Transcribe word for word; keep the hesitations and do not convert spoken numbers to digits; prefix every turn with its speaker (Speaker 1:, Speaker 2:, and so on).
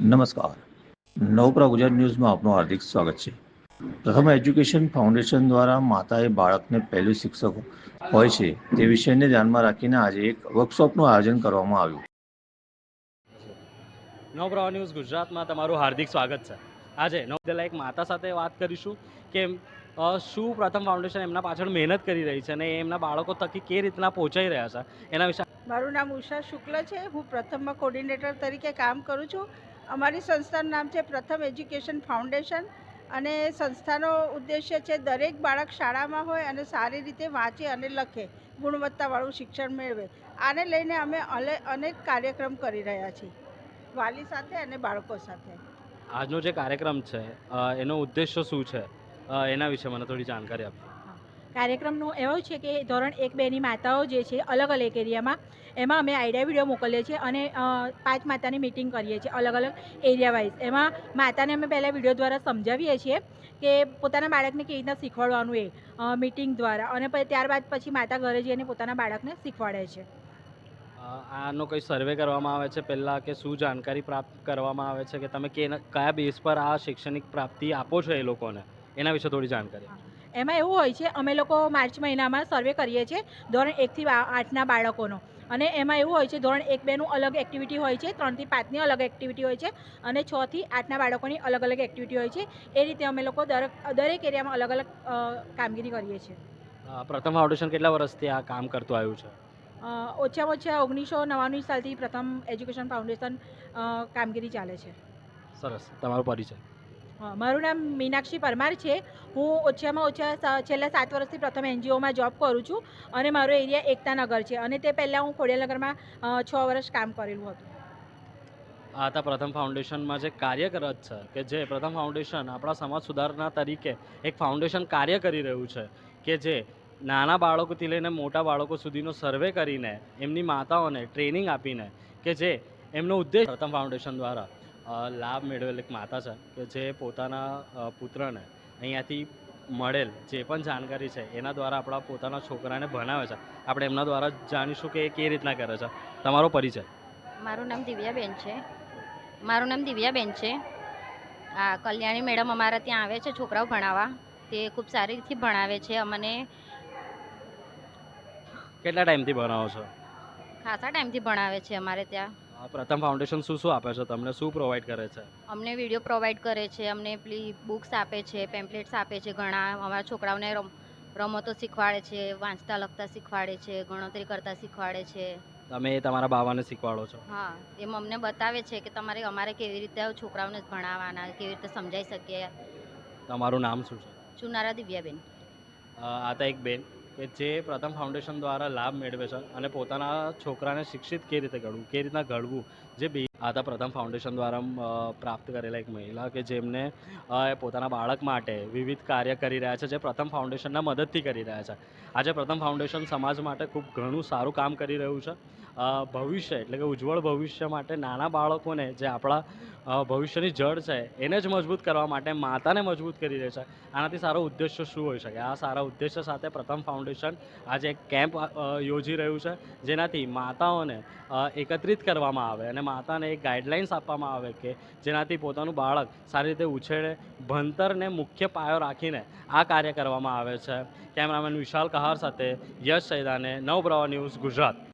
Speaker 1: નમસ્કાર. નવપ્રભા ગુજરાત ન્યૂઝમાં આપનું હાર્દિક સ્વાગત છે. પ્રથમ એજ્યુકેશન ફાઉન્ડેશન દ્વારા માતાએ બાળકને પહેલું શિક્ષક હોય છે તે વિષયને ધ્યાનમાં રાખીને આજે એક વર્કશોપનું આયોજન કરવામાં આવ્યું.
Speaker 2: નવપ્રભા ન્યૂઝ ગુજરાતમાં તમારું હાર્દિક સ્વાગત છે. આજે નવદેલા એક માતા સાથે વાત કરીશું કે શું પ્રથમ ફાઉન્ડેશન એમના પાછળ મહેનત કરી રહી છે અને એમના બાળકો થકી કે રીતના પહોંચાઈ રહ્યા છે એના વિશે.
Speaker 3: મારું નામ ઉષા શુક્લ છે. હું પ્રથમમાં કોર્ડિનેટર તરીકે કામ કરું છું. અમારી સંસ્થાનું નામ છે પ્રથમ એજ્યુકેશન ફાઉન્ડેશન અને સંસ્થાનો ઉદ્દેશ્ય છે દરેક બાળક શાળામાં હોય અને સારી રીતે વાંચે અને લખે, ગુણવત્તાવાળું શિક્ષણ મેળવે. આને લઈને અમે અનેક કાર્યક્રમ કરી રહ્યા છીએ વાલી સાથે અને બાળકો સાથે.
Speaker 2: આજનો જે કાર્યક્રમ છે એનો ઉદ્દેશ્ય શું છે એના વિશે મને થોડી જાણકારી આપો.
Speaker 4: કાર્યક્રમનું એવું છે કે ધોરણ એક બેની માતાઓ જે છે અલગ અલગ એરિયામાં, એમાં અમે આઈડિયા વિડીયો મોકલીએ છીએ અને પાંચ માતાની મિટિંગ કરીએ છીએ અલગ અલગ એરિયા વાઇઝ. એમાં માતાને અમે પહેલાં વિડીયો દ્વારા સમજાવીએ છીએ કે પોતાના બાળકને કેવી રીતના શીખવાડવાનું એ મિટિંગ દ્વારા, અને ત્યારબાદ પછી માતા ઘરે જઈને પોતાના બાળકને શીખવાડે છે.
Speaker 2: આનો કંઈ સર્વે કરવામાં આવે છે પહેલાં, કે શું જાણકારી પ્રાપ્ત કરવામાં આવે છે કે તમે કે કયા બેઝ પર આ શૈક્ષણિક પ્રાપ્તિ આપો છો એ લોકોને, એના વિશે થોડી જાણકારી.
Speaker 4: એમાં એવું હોય છે, અમે લોકો માર્ચ મહિનામાં સર્વે કરીએ છીએ ધોરણ એકથી આઠના બાળકોનો, અને એમાં એવું હોય છે ધોરણ એક બેનું અલગ એક્ટિવિટી હોય છે, ત્રણથી પાંચની અલગ એક્ટિવિટી હોય છે અને છથી આઠના બાળકોની અલગ અલગ એક્ટિવિટી હોય છે. એ રીતે અમે લોકો દરેક દરેક એરિયામાં અલગ અલગ કામગીરી કરીએ છીએ.
Speaker 2: પ્રથમ ફાઉન્ડેશન કેટલા વર્ષથી આ કામ કરતું આવ્યું છે?
Speaker 4: ઓછામાં ઓછા ઓગણીસો નવ્વાણું સાલથી પ્રથમ એજ્યુકેશન ફાઉન્ડેશન કામગીરી ચાલે છે.
Speaker 2: સરસ. તમારો પરિચય?
Speaker 4: મારું નામ મીનાક્ષી પરમાર છે. હું ઓછામાં ઓછા છેલ્લા સાત વર્ષથી પ્રથમ એનજીઓમાં જોબ કરું છું અને મારો એરિયા એકતાનગર છે, અને તે પહેલાં હું ખોડિયાલનગરમાં છ વર્ષ કામ કરેલું હતું.
Speaker 2: આ હતા પ્રથમ ફાઉન્ડેશનમાં જે કાર્યરત છે, કે જે પ્રથમ ફાઉન્ડેશન આપણા સમાજ સુધારણા તરીકે એક ફાઉન્ડેશન કાર્ય કરી રહ્યું છે, કે જે નાના બાળકોથી લઈને મોટા બાળકો સુધીનો સર્વે કરીને એમની માતાઓને ટ્રેનિંગ આપીને, કે જે એમનો ઉદ્દેશ પ્રથમ ફાઉન્ડેશન દ્વારા લાભ મેળવેલ એક માતા છે, કે જે પોતાના પુત્રને અહીંયાથી મળેલ જે પણ જાણકારી છે એના દ્વારા આપણા પોતાના છોકરાને ભણાવે છે. આપણે એમના દ્વારા જાણીશું કે એ કેવી રીતના કરે છે. તમારો પરિચય?
Speaker 5: મારું નામ દિવ્યાબેન છે. મારું નામ દિવ્યાબેન છે. આ કલ્યાણી મેડમ અમારા ત્યાં આવે છે છોકરાઓ ભણાવવા. તે ખૂબ સારી રીતે ભણાવે છે અમને.
Speaker 2: કેટલા ટાઈમથી ભણાવો છો?
Speaker 5: ખાસા ટાઈમથી ભણાવે છે અમારે ત્યાં.
Speaker 2: પ્રથમ ફાઉન્ડેશન શું શું આપે છે તમને? શું પ્રોવાઈડ કરે છે?
Speaker 5: અમને વિડીયો પ્રોવાઈડ કરે છે, અમને પેલી બુક્સ આપે છે, પેમ્પલેટ્સ આપે છે ઘણા. અમારા છોકરાઓને રમ રમતો શીખવાડે છે, વાંચતા લખતા શીખવાડે છે, ગણતરી કરતા શીખવાડે છે.
Speaker 2: તમે તમારા બાવાને શીખવાડો છો?
Speaker 5: હા, એમ અમને બતાવે છે કે તમારે અમારે કેવી રીતે છોકરાઓને ભણાવવાના, કેવી રીતે સમજાઈ શકીએ.
Speaker 2: તમારું નામ શું છે?
Speaker 5: ચુનારા દિવ્યાબેન.
Speaker 2: આ તો એક બેન કે જે પ્રથમ ફાઉન્ડેશન દ્વારા લાભ મેળવે છે અને પોતાના છોકરાને શિક્ષિત કેવી રીતે ઘડવું, કેવી રીતના ઘડવું, જે બે આ તો પ્રથમ ફાઉન્ડેશન દ્વારા પ્રાપ્ત કરેલા એક મહિલા કે જેમને પોતાના બાળક માટે વિવિધ કાર્ય કરી રહ્યા છે, જે પ્રથમ ફાઉન્ડેશનના મદદથી કરી રહ્યા છે. આજે પ્રથમ ફાઉન્ડેશન સમાજ માટે ખૂબ ઘણું સારું કામ કરી રહ્યું છે. ભવિષ્ય એટલે કે ઉજ્જવળ ભવિષ્ય માટે નાના બાળકોને, જે આપણા ભવિષ્યની જડ છે એને જ મજબૂત કરવા માટે માતાને મજબૂત કરી રહે છે. આનાથી સારો ઉદ્દેશ્ય શું હોઈ શકે? આ સારા ઉદ્દેશ્ય સાથે પ્રથમ ફાઉન્ડેશન આજે એક કેમ્પ યોજી રહ્યું છે, જેનાથી માતાઓને એકત્રિત કરવામાં આવે અને માતાને એક ગાઈડલાઇન્સ આપવામાં આવે કે જેનાથી પોતાનું બાળક સારી રીતે ઉછેરે. ભણતરને મુખ્ય પાયો રાખીને આ કાર્ય કરવામાં આવે છે. કેમેરામેન વિશાલ કહાર સાથે યશ સૈદાને, નવપ્રભા ન્યૂઝ ગુજરાત.